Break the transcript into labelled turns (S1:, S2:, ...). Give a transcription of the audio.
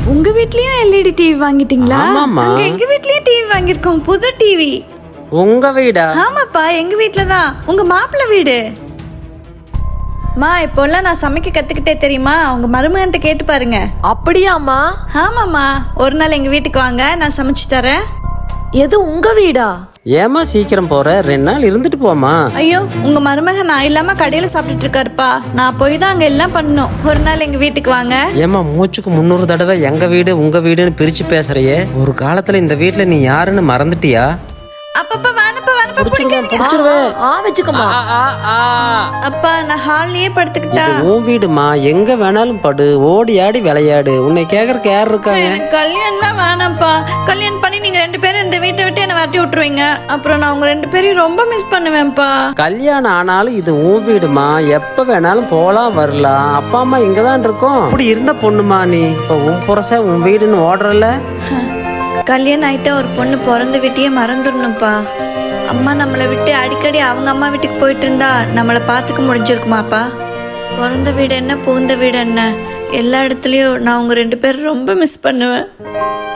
S1: உங்க வீட்லயும் LED TV வாங்கிட்டீங்களா?
S2: ஆமாம்மா.
S1: அங்க எங்க வீட்லயும் டிவி வாங்கிருக்கோம், புது டிவி.
S2: உங்க வீடா?
S1: ஆமாப்பா, எங்க வீட்ல தான். உங்க மாப்பிள்ளை வீடு. மா, இப்போல்லாம் நான் சமைக்க கத்துக்கிட்டே தெரியுமா? உங்க மருமகன்ட்ட கேட்டு பாருங்க.
S3: அப்படியாம்மா?
S1: ஆமாம்மா, ஒரு நாள் எங்க வீட்டுக்கு வாங்க, நான் சமைச்சு தரேன்.
S3: எது உங்க வீடா?
S2: ஏமா சீக்கிரம் போற? 2 நாள் இருந்துட்டு போமா.
S1: ஐயோ, உங்க மருமகன் நான் இல்லாம கடையில சாப்பிட்டுட்டு இருக்காருப்பா. நான் போய் தான் அங்க எல்லாம் பண்ணணும். ஒரு நாள் எங்க வீட்டுக்கு வாங்க.
S2: ஏமா மூச்சுக்கு 300 தடவை எங்க வீடு உங்க வீடுன்னு பிரிச்சு பேசுறியே. ஒரு காலத்துல இந்த வீட்டுல நீ யாருன்னு மறந்துட்டியா?
S1: அப்பப்பா வானப்பா, வானப்பா பிடிக்காதீங்க.
S3: வச்சுக்கோமா.
S1: அப்பா, நான் ஹால்லயே படுத்துக்கிட்டா?
S2: இது உன் வீடுமா, எங்க வேணாலும் படு, ஓடி ஆடி விளையாடு. உன்னை கேக்குறக்கு யார் இருக்காங்க?
S1: எனக்கு கல்யாணம்லாம் வேணாம்ப்பா. கல்யாணம் பண்ணி நீங்க 2 பேரும் இந்த வீட்டை விட்டு என்ன வரட்டி விட்டுருவீங்க. அப்புறம் நான் உங்க 2 பேரையும் ரொம்ப மிஸ் பண்ணுவேன்ப்பா.
S2: கல்யாணம் ஆனாலும் இது உன் வீடுமா, எப்ப வேணாலும் போலாம் வரலாம். அப்பா அம்மா இங்கதான் இருக்கோம். அப்படி இருந்த பொண்ணுமா நீ. இப்ப உன் புரச உன் வீடுன்னு ஓடுறல.
S1: கல்யாணம் ஆயிட்டா ஒரு பொண்ணு பிறந்த வீட்டையே மறந்துடணும்ப்பா. அம்மா நம்மளை விட்டு அடிக்கடி அவங்க அம்மா வீட்டுக்கு போயிட்டு இருந்தா நம்மளை பார்த்துக்க முடிஞ்சிருக்குமாப்பா? பிறந்த வீடு என்ன, புகுந்த வீடு என்ன, எல்லா இடத்துலயும் நான் உங்க 2 பேரும் ரொம்ப மிஸ் பண்ணுவேன்.